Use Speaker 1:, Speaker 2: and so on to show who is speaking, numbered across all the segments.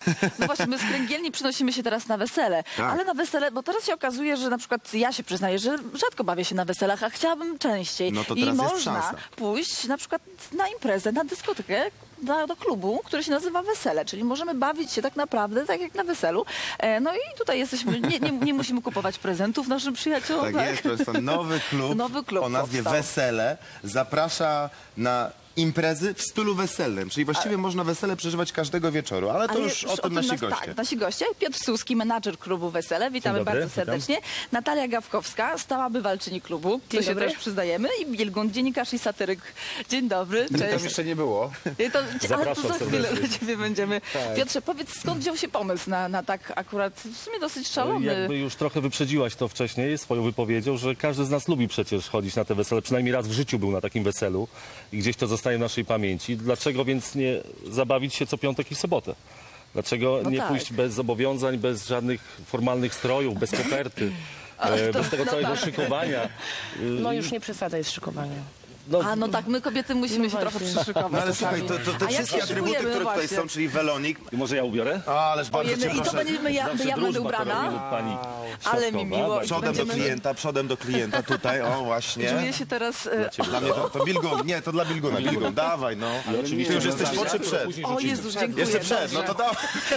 Speaker 1: No właśnie, my z kręgielni przynosimy się teraz na wesele,
Speaker 2: Tak.
Speaker 1: ale na wesele, bo teraz się okazuje, że na przykład ja się przyznaję, że rzadko bawię się na weselach, a chciałabym częściej.
Speaker 2: No to
Speaker 1: I
Speaker 2: teraz jest
Speaker 1: można
Speaker 2: szansa.
Speaker 1: pójść na przykład na imprezę, na dyskotekę, do klubu, który się nazywa Wesele, czyli możemy bawić się tak naprawdę tak jak na weselu. No i tutaj jesteśmy, nie musimy kupować prezentów naszym przyjaciołom.
Speaker 2: Tak jest, proszę państwa, nowy klub
Speaker 1: Nowy
Speaker 2: o nazwie
Speaker 1: powstał.
Speaker 2: Wesele zaprasza na imprezy w stylu weselnym, czyli właściwie można wesele przeżywać każdego wieczoru, ale to
Speaker 1: Ale
Speaker 2: już o tym nasi goście.
Speaker 1: Tak, nasi goście. Piotr Suski, menadżer klubu Wesele. Witamy
Speaker 3: Dzień dobry,
Speaker 1: bardzo serdecznie. Natalia Gawkowska, stała bywalczyni klubu. To się
Speaker 4: dobry.
Speaker 1: też przyznajemy. I Bilgun, dziennikarz i satyryk. Dzień dobry.
Speaker 5: Tam
Speaker 1: Cześć.
Speaker 5: jeszcze nie było.
Speaker 1: Ale to
Speaker 3: Zapraszam
Speaker 1: za chwilę
Speaker 3: serdecznie.
Speaker 1: do ciebie będziemy. Piotrze, powiedz, skąd wziął się pomysł na tak akurat w sumie dosyć szalony...
Speaker 3: Jakby już trochę wyprzedziłaś to wcześniej swoją wypowiedzią, że każdy z nas lubi przecież chodzić na te wesele. Przynajmniej raz w życiu był na takim weselu i gdzieś to zostaje w naszej pamięci. Dlaczego więc nie zabawić się co piątek i sobotę? Dlaczego
Speaker 1: No
Speaker 3: nie
Speaker 1: tak.
Speaker 3: pójść bez zobowiązań, bez żadnych formalnych strojów, bez koperty, bez tego całego szykowania?
Speaker 4: No już nie przesadzaj z szykowaniem.
Speaker 1: A no tak, my kobiety musimy się trochę przyszykować.
Speaker 2: No ale słuchaj,
Speaker 1: czasami.
Speaker 2: to te
Speaker 1: A jak
Speaker 2: wszystkie
Speaker 1: się
Speaker 2: atrybuty,
Speaker 1: szykujemy,
Speaker 2: które tutaj
Speaker 1: właśnie?
Speaker 2: są, czyli welonik,
Speaker 3: I może ja ubiorę?
Speaker 2: ależ bardzo
Speaker 1: Ojej,
Speaker 2: cię
Speaker 1: i to
Speaker 2: proszę.
Speaker 1: będzie, ja
Speaker 3: Zawsze
Speaker 1: będę
Speaker 3: drużba to
Speaker 1: ubrana.
Speaker 3: robi pani
Speaker 1: Ale mi
Speaker 3: Trzaskowa.
Speaker 1: miło.
Speaker 3: Bardzo
Speaker 2: Przodem do klienta tutaj, o właśnie.
Speaker 1: Czuję się teraz...
Speaker 2: Dla mnie to Bilgun, nie, to dla Bilguna, Bilgun, dawaj no.
Speaker 3: oczywiście
Speaker 2: Ty już
Speaker 3: że
Speaker 2: jesteś
Speaker 3: zawsze.
Speaker 2: po czy przed?
Speaker 3: Później
Speaker 1: O
Speaker 3: rzucimy.
Speaker 1: Jezu, dziękuję.
Speaker 2: Jeszcze przed, no to dawaj.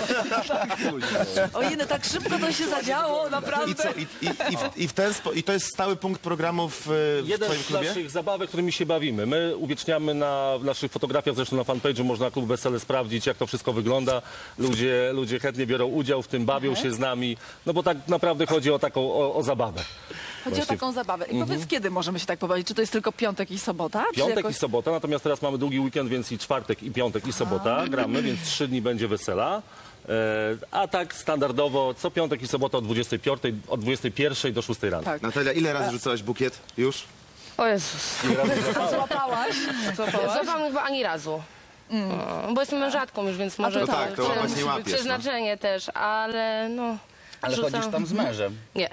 Speaker 1: Ojej, no tak szybko to się zadziało,
Speaker 2: I
Speaker 1: naprawdę.
Speaker 2: co? I to jest stały punkt programu w
Speaker 3: Jeden
Speaker 2: twoim
Speaker 3: z
Speaker 2: klubie?
Speaker 3: naszych zabawek, którymi się bawimy. My uwieczniamy na naszych fotografiach, zresztą na fanpage'u można klub Wesele sprawdzić, jak to wszystko wygląda. Ludzie chętnie biorą udział w tym, bawią się z nami, no bo tak naprawdę chodzi o taką o zabawę.
Speaker 1: Chodzi o taką zabawę. I powiedz, kiedy możemy się tak pobawić? Czy to jest tylko piątek i sobota? Czy
Speaker 3: Piątek
Speaker 1: jakoś...
Speaker 3: i sobota, natomiast teraz mamy długi weekend, więc i czwartek, i piątek, i sobota gramy, więc 3 dni będzie wesela. A tak standardowo co piątek i sobota od 21 do 6 rano.
Speaker 1: Tak.
Speaker 2: Natalia, ile razy rzucałaś bukiet? Już?
Speaker 4: O Jezus.
Speaker 1: Złapałaś?
Speaker 4: Złapałam chyba ani razu. Bo jestem mężatką już, więc może
Speaker 2: No tak, to łapać nie łapiesz, no.
Speaker 4: przeznaczenie też, ale no...
Speaker 5: Ale
Speaker 4: rzucam.
Speaker 5: chodzisz tam z mężem.
Speaker 4: Nie.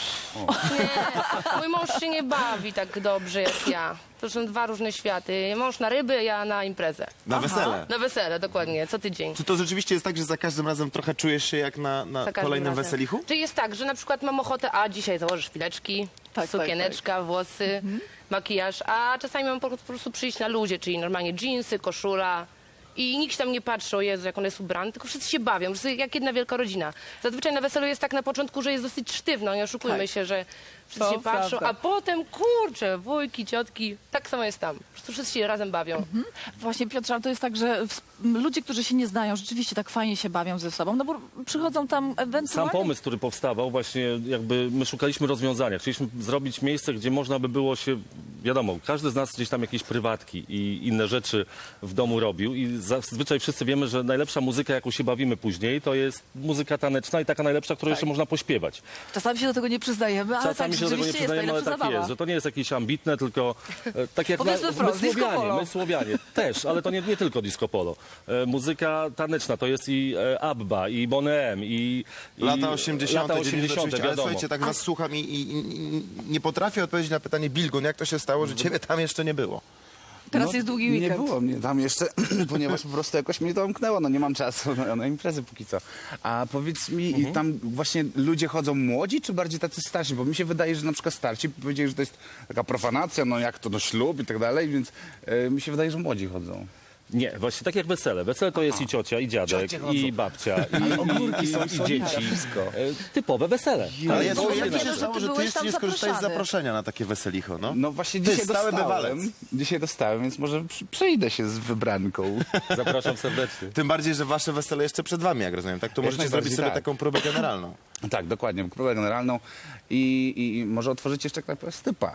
Speaker 4: Nie. Mój mąż się nie bawi tak dobrze jak ja. To są dwa różne światy. Mąż na ryby, ja na imprezę.
Speaker 2: Na wesele.
Speaker 4: Na wesele, dokładnie, co tydzień.
Speaker 2: Czy to rzeczywiście jest tak, że za każdym razem trochę czujesz się jak na
Speaker 4: Za każdym
Speaker 2: kolejnym
Speaker 4: razem.
Speaker 2: weselichu?
Speaker 4: Czy jest tak, że na przykład mam ochotę, a dzisiaj założysz chwileczki,
Speaker 1: Tak,
Speaker 4: sukieneczka, włosy, makijaż, a czasami mam po prostu przyjść na luzie, czyli normalnie dżinsy, koszula. I nikt tam nie patrzy, o Jezu, jak on jest ubrany, tylko wszyscy się bawią, wszyscy jak jedna wielka rodzina. Zazwyczaj na weselu jest tak na początku, że jest dosyć sztywno, nie oszukujmy
Speaker 1: Tak.
Speaker 4: się, że wszyscy
Speaker 1: To
Speaker 4: się patrzą,
Speaker 1: prawda.
Speaker 4: a potem, kurczę, wujki, ciotki, tak samo jest tam. Po prostu wszyscy się razem bawią.
Speaker 1: Właśnie, Piotrze, ale to jest tak, że ludzie, którzy się nie znają, rzeczywiście tak fajnie się bawią ze sobą, no bo przychodzą tam
Speaker 3: Sam
Speaker 1: ewentualnie...
Speaker 3: pomysł, który powstawał, właśnie jakby my szukaliśmy rozwiązania. Chcieliśmy zrobić miejsce, gdzie można by było się, wiadomo, każdy z nas gdzieś tam jakieś prywatki i inne rzeczy w domu robił i zazwyczaj wszyscy wiemy, że najlepsza muzyka, jaką się bawimy później, to jest muzyka taneczna i taka najlepsza, którą jeszcze można pośpiewać.
Speaker 1: Czasami się do tego nie przyznajemy, ale
Speaker 3: Czasami
Speaker 1: tak
Speaker 3: się do tego nie
Speaker 1: rzeczywiście jest
Speaker 3: przyznajemy, ale
Speaker 1: najlepsza
Speaker 3: tak
Speaker 1: zabawa.
Speaker 3: jest, że to nie jest jakieś ambitne, tylko tak jak
Speaker 1: Powiedzmy
Speaker 3: my
Speaker 1: wprost, disco polo.
Speaker 3: Słowianie też, ale to nie tylko disco polo. Muzyka taneczna to jest i ABBA, i Boney i
Speaker 2: Lata 80.,
Speaker 3: lata
Speaker 2: 90.,
Speaker 3: 80.,
Speaker 2: oczywiście, ale
Speaker 3: wiadomo.
Speaker 2: słuchajcie, tak was słucham i nie potrafię odpowiedzieć na pytanie, Bilgun, jak to się stało, że ciebie tam jeszcze nie było?
Speaker 1: Teraz jest długi weekend.
Speaker 5: Nie było mnie tam jeszcze, ponieważ po prostu jakoś mnie to omknęło, no nie mam czasu na imprezy póki co. A powiedz mi, i tam właśnie ludzie chodzą młodzi, czy bardziej tacy starsi? Bo mi się wydaje, że na przykład starsi powiedzieli, że to jest taka profanacja, no jak to, no ślub i tak dalej, więc mi się wydaje, że młodzi chodzą.
Speaker 3: Nie, właśnie tak jak wesele. Wesele to jest i ciocia, i dziadek,
Speaker 5: Ciocie chodzą.
Speaker 3: i babcia,
Speaker 5: ogórki są,
Speaker 3: i
Speaker 5: słoniki,
Speaker 3: dzieci.
Speaker 5: wszystko.
Speaker 3: Typowe wesele.
Speaker 2: Ale
Speaker 1: ja
Speaker 2: jak
Speaker 1: to
Speaker 2: to się
Speaker 1: że
Speaker 2: stało,
Speaker 1: ty
Speaker 2: że ty
Speaker 1: byłeś
Speaker 2: jeszcze
Speaker 1: tam
Speaker 2: nie skorzystałeś z
Speaker 1: zaproszony.
Speaker 2: zaproszenia na takie weselicho, no?
Speaker 5: No właśnie
Speaker 2: Ty,
Speaker 5: dzisiaj
Speaker 2: stały bywalec.
Speaker 5: dostałem. Dzisiaj dostałem, więc może przejdę się z wybranką.
Speaker 3: Zapraszam serdecznie.
Speaker 2: Tym bardziej, że wasze wesele jeszcze przed wami, jak rozumiem, tak? To możecie
Speaker 5: najbardziej
Speaker 2: zrobić sobie
Speaker 5: tak.
Speaker 2: taką próbę generalną.
Speaker 5: Tak, dokładnie, próbę generalną i może otworzyć jeszcze knajpę stypa.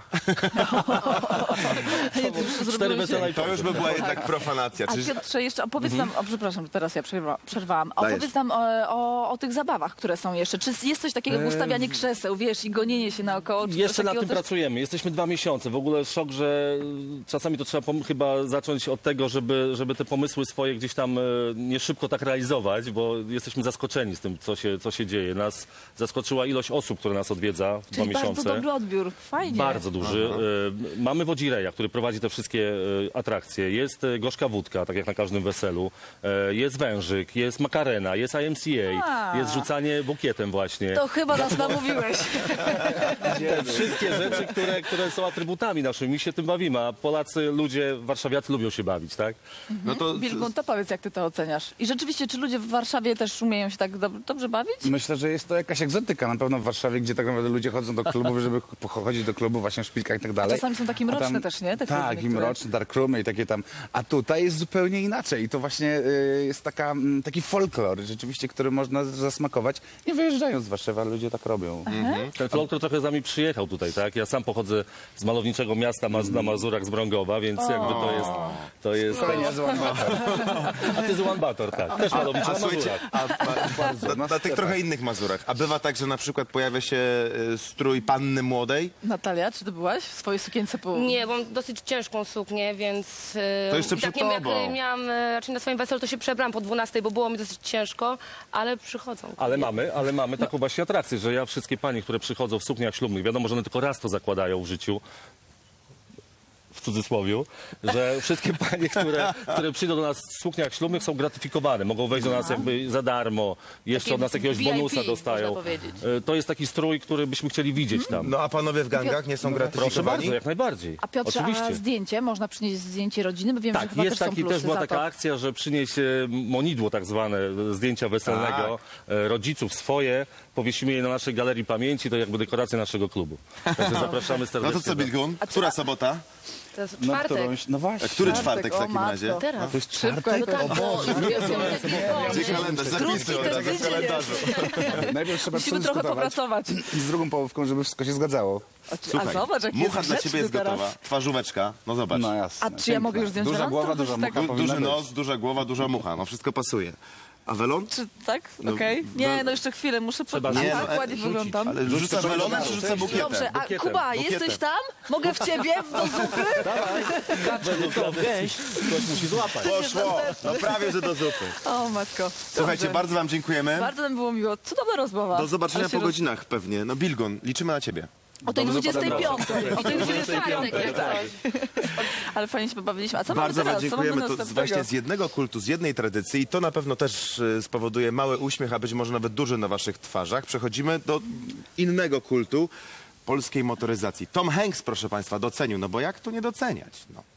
Speaker 3: 4 wesela i
Speaker 2: To już by była jednak profanacja.
Speaker 1: A
Speaker 2: Czyż...
Speaker 1: Piotrze, jeszcze opowiedz nam, przepraszam, teraz ja przerwałam,
Speaker 2: Dajesz.
Speaker 1: opowiedz nam o tych zabawach, które są jeszcze. Czy jest coś takiego jak ustawianie krzeseł, wiesz, i gonienie się naokoło? Czy coś
Speaker 3: Jeszcze nad
Speaker 1: takiego
Speaker 3: tym
Speaker 1: też?
Speaker 3: pracujemy. Jesteśmy 2 miesiące. W ogóle szok, że czasami to trzeba chyba zacząć od tego, żeby te pomysły swoje gdzieś tam nie szybko tak realizować, bo jesteśmy zaskoczeni z tym, co się dzieje. Nas zaskoczyła ilość osób, które nas odwiedza w 2
Speaker 1: Czyli bardzo
Speaker 3: miesiące.
Speaker 1: dobry odbiór. Fajnie.
Speaker 3: Bardzo duży. Mamy Wodzireja, który prowadzi te wszystkie atrakcje. Jest gorzka wódka, tak jak na każdym weselu. Jest wężyk, jest makarena, jest IMCA, jest rzucanie bukietem właśnie.
Speaker 1: To chyba nas namówiłeś.
Speaker 3: Te wszystkie rzeczy, które są atrybutami naszymi. My się tym bawimy, a Polacy, ludzie, warszawiacy lubią się bawić, tak?
Speaker 2: No to
Speaker 1: Bilgun, to powiedz, jak ty to oceniasz. I rzeczywiście, czy ludzie w Warszawie też umieją się tak dobrze bawić?
Speaker 5: Myślę, że jest to jakaś egzotyka na pewno w Warszawie, gdzie tak naprawdę ludzie chodzą do klubów, żeby chodzić do klubu właśnie w szpilkach i tak dalej.
Speaker 1: czasami są takie
Speaker 5: A
Speaker 1: mroczne też, nie? Te kluby
Speaker 5: tak, i
Speaker 1: niektóre.
Speaker 5: mroczne, darkroomy i takie tam. A tutaj jest zupełnie inaczej. I to właśnie jest taki folklor rzeczywiście, który można zasmakować. Nie wyjeżdżając z Warszawy, ale ludzie tak robią.
Speaker 3: Ten folklor trochę z nami przyjechał tutaj, tak? Ja sam pochodzę z malowniczego miasta na Mazurach z Brągowa, więc jakby to jest...
Speaker 5: To nie zła
Speaker 3: A ty z Ulaanbaatar, tak. Też malowniczy na
Speaker 2: słuchajcie,
Speaker 3: Mazurach.
Speaker 2: na tych trochę innych Mazurach. A bywa tak, że na przykład pojawia się strój panny młodej?
Speaker 1: Natalia, czy ty byłaś w swojej sukience po...
Speaker 4: Nie, bo mam dosyć ciężką suknię, więc...
Speaker 2: To jeszcze
Speaker 4: i
Speaker 2: przed
Speaker 4: tak nie wiem,
Speaker 2: tobą.
Speaker 4: jak miałam raczej na swoim weselu, to się przebrałam po 12, bo było mi dosyć ciężko, ale przychodzą.
Speaker 3: Ale mamy taką właśnie atrakcję, że ja wszystkie panie, które przychodzą w sukniach ślubnych, wiadomo, że one tylko raz to zakładają w życiu, w cudzysłowiu, że wszystkie panie, które przyjdą do nas w sukniach ślubnych, są gratyfikowane. Mogą wejść do nas jakby za darmo, jeszcze
Speaker 4: Taki
Speaker 3: od nas jakiegoś
Speaker 4: VIP,
Speaker 3: bonusa dostają.
Speaker 4: można powiedzieć.
Speaker 3: To jest taki strój, który byśmy chcieli widzieć tam.
Speaker 2: No a panowie w gangach nie są
Speaker 3: Proszę
Speaker 2: gratyfikowani?
Speaker 3: bardzo, jak najbardziej.
Speaker 1: A Piotrze,
Speaker 3: Oczywiście.
Speaker 1: a zdjęcie? Można przynieść zdjęcie rodziny? Bo wiem, że
Speaker 3: Tak,
Speaker 1: chyba
Speaker 3: jest
Speaker 1: też są
Speaker 3: taki,
Speaker 1: plusy
Speaker 3: też była
Speaker 1: za
Speaker 3: taka
Speaker 1: to.
Speaker 3: akcja, że przynieść monidło tak zwane, zdjęcia weselnego, rodziców swoje, powiesimy je na naszej galerii pamięci, to jakby dekoracja naszego klubu. Także zapraszamy
Speaker 2: No
Speaker 3: serdecznie.
Speaker 2: to co, Bilgun? Która sobota?
Speaker 4: To jest
Speaker 5: No,
Speaker 4: czwartek.
Speaker 5: no właśnie.
Speaker 2: Który
Speaker 1: Czwartek,
Speaker 2: czwartek w
Speaker 1: o
Speaker 2: takim
Speaker 1: matko.
Speaker 2: razie?
Speaker 4: Teraz.
Speaker 5: To jest
Speaker 1: Szybko,
Speaker 5: czwartek?
Speaker 1: jak
Speaker 4: Tak, bo
Speaker 2: Gdzie kalendarz? Zapisuj od razu w kalendarzu.
Speaker 5: Najpierw trzeba
Speaker 1: Musimy trochę
Speaker 5: przedyskutować
Speaker 1: popracować.
Speaker 5: z drugą połówką, żeby wszystko się zgadzało.
Speaker 2: Słuchaj,
Speaker 1: A zobacz, jak
Speaker 2: mucha
Speaker 1: jest
Speaker 2: dla ciebie jest
Speaker 1: grzeczny
Speaker 2: gotowa.
Speaker 1: teraz.
Speaker 2: Twarzóweczka, no zobacz.
Speaker 5: No jasne.
Speaker 1: A czy ja mogę już zdjąć
Speaker 5: Duża
Speaker 1: welon?
Speaker 5: głowa,
Speaker 1: Trochę
Speaker 5: duża
Speaker 1: się tak-
Speaker 5: mucha powinna
Speaker 2: Duży
Speaker 5: być.
Speaker 2: nos, duża głowa, duża mucha. No wszystko pasuje. A welon?
Speaker 1: Czy tak?
Speaker 2: No,
Speaker 1: Okej. Nie, no jeszcze chwilę, muszę
Speaker 3: Trzeba
Speaker 1: tak,
Speaker 2: Nie, no,
Speaker 1: tak ładnie wyglądam.
Speaker 2: Ale rzucasz welonem, czy rzuca bukietem?
Speaker 1: Dobrze, a
Speaker 3: bukietem,
Speaker 1: Kuba,
Speaker 3: bukietem.
Speaker 1: jesteś tam? Mogę w ciebie do zupy?
Speaker 3: To gęś, ktoś musi złapać.
Speaker 2: Poszło. No prawie, że do zupy.
Speaker 1: O matko.
Speaker 2: Słuchajcie,
Speaker 1: Dobrze.
Speaker 2: bardzo wam dziękujemy.
Speaker 1: Bardzo nam było miło. Cudowna rozmowa.
Speaker 2: Do zobaczenia
Speaker 1: Ale się
Speaker 2: po godzinach pewnie. No Bilgun, liczymy na ciebie.
Speaker 1: O tej 25. O tej
Speaker 4: 25,
Speaker 1: 25.
Speaker 4: tak.
Speaker 1: Ale fajnie się pobawiliśmy. A co mamy
Speaker 2: Bardzo wam
Speaker 1: teraz? Co mamy
Speaker 2: dziękujemy. To
Speaker 1: następnego?
Speaker 2: właśnie z jednego kultu, z jednej tradycji i to na pewno też spowoduje mały uśmiech, a być może nawet duży na waszych twarzach. Przechodzimy do innego kultu polskiej motoryzacji. Tom Hanks, proszę państwa, docenił. No bo jak tu nie doceniać? No.